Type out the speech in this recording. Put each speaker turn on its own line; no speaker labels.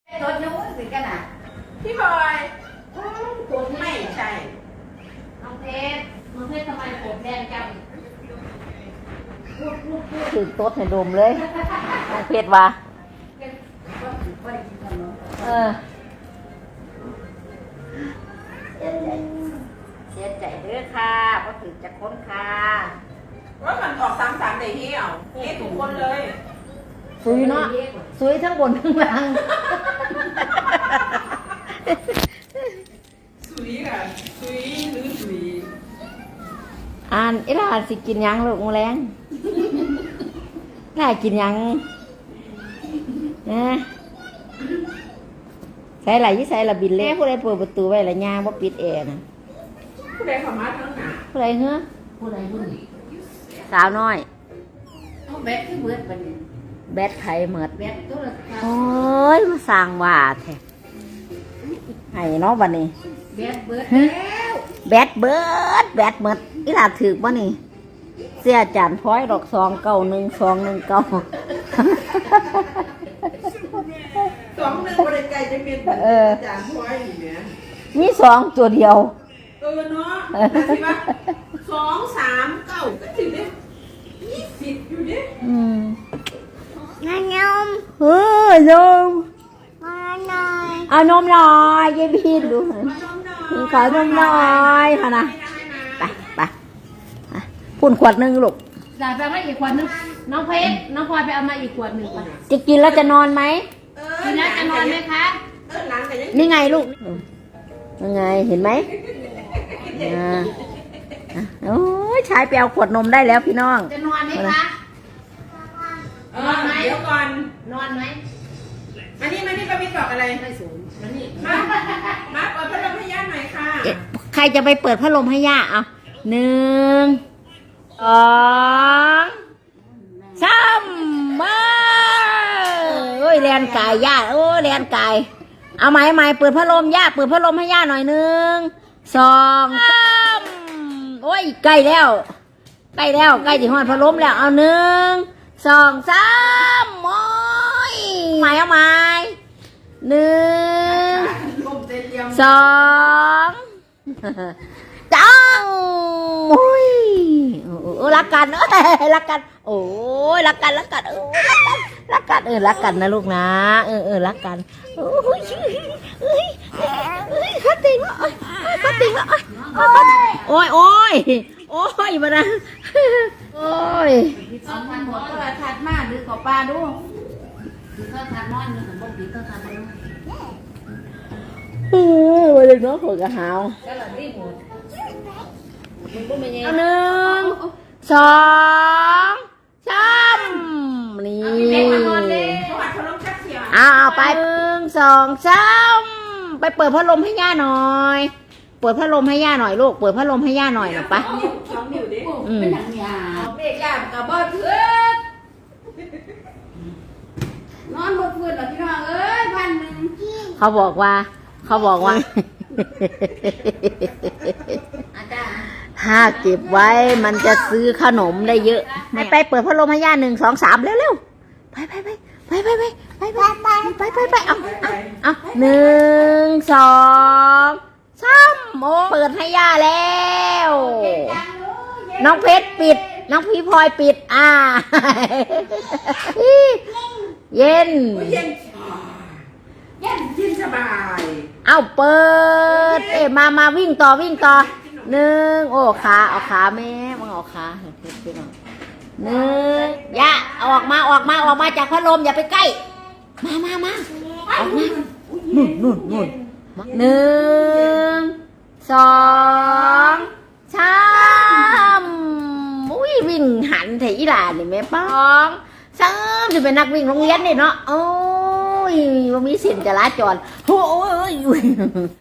ตัวนู้นสิกันอ่ะ
พี่บอย
ตัว
ไม่ใช่
น้องเพชรทำไมผมแดงจัง
ถึงโต๊ดให้ดมเลยน้องเพชรว่า
เสียใจเด้อค่ะเพราะถึงจะค้นค่ะ
ว่ามันออก3-3ได้เหี้ยวนี่ทุกคนเลย
สวยเนาะสวยทั้งบนทั้งล่าง
สุยค่ะสุยหรือสุย
อ่านไอ้หลานสิกินยังลูกแมลงหลานกินยังนะใส่ไหลยี่ใส่ละบินเล่ผู้ใดเปิดประตูไว้ละย่างว่าปิดแอร์นะ
ผู้ใดเข้ามาทั้งหนา
ผู้ใดเหรอ
ผู้ใดผู้นี้
สาวน้อย
เอาแบตที่เบิดบัดนี้
แบตไข่เหมือด
แบตตัวละ
โอ้ยมาสร้างว่าแท้ไห้เนาะบัดนี้
แบตเบิดแล้ว
แบตเบิดแบตเหมือดอีหลาถือบ่นี่เสียจานพ้อยดอก291 219
2-1บริการจะเป็นจานพ้อยนี่แหม
มี2ตัวเดียว
เนาะสิว่า2-3-9ก็ถึงได้20อยู่ดิ
นมเฮ้ยนมเอานมหน่อยยายพีนดูขอนมหน่อยค่ะนะไปพุ่นขวดนึงลูก
จ่ายไปมาอีกขวดนึงน้องเพชรน้องพลอยไปเอามาอีกขวดหนึ่ง
จะกินแล้วจะนอนไหม
กินแล้วจะนอนไหมคะ
นี่ไงลูกยังไงเห็นไหมโอ้ยชายไปเอาขวดนมได้แล้วพี่น้อง
จะนอนไหมคะ
นอนไหมเดี๋ยวก่อน
นอนไหม
มานี่ป้าพี่ตอบอะไร
ไม่สูงมานี่
มาเปิดพัดลมให้ย่าหน่อยค่ะ
ใครจะไปเปิดพัดลมให้ย่าเอา1 2 3มาโอ้ยแลนกายย่าโอ้ยแลนกายเอาไหมเปิดพัดลมย่าเปิดพัดลมให้ย่าหน่อย1 2 3โอ้ยใกล้แล้วใกล้จะหอดพัดลมแล้วเอา1 2 3โอ้ยเอาไหม1 2จังโอ้ยรักกันรักกันโอ้ยรักกันรักกันนะลูกนะรักกันโอ้ยฟัดติงแล้วโอ้ยมานะโอ้ย
เอาทันหมดก็เลยทัดมากหรือขอปลาดูหรือก็ทัดน้อยหนึ่งของบ่ปีก็ทัดน้อย
มาเลยเนาะหัวกระหาว
ก็เลยรีบหมด
เอา1 2 3นี่เอาไป1 2 3ไปเปิดพัดลมให้ย่าหน่อยเปิดพัดลมให้ย่าหน่อยลูกเปิดพัดลมให้ย่าหน่อยไป
เป็นหนังยาเด็กยากับบ่เพื่อนอนบนพื้นหรอพี่น้องเอ้ย1,000
เขาบอกว่าถ้าเก็บไว้มันจะซื้อขนมได้เยอะไปเปิดพัดลมให้ย่า1 2 3เร็วไปเอา1 2 3โมเปิดให้ย่าแล้วน้องเพชรปิดน้องพี่พลอยปิดเย็น
สบาย
เอาเปิดมาวิ่งต่อ1โอ้ขาเอาขาแม่มึงเอาขาพี่น้อง1ย่าออกมาจากพัดลมอย่าไปใกล้มาออกมานู่น1 2 3อุ้ยวิ่งหันถีหลานนี่แม่ป้อง3จะเป็นนักวิ่งโรงเรียนนี่เนาะโอ้ยว่ามีสินจราจรโอ้ย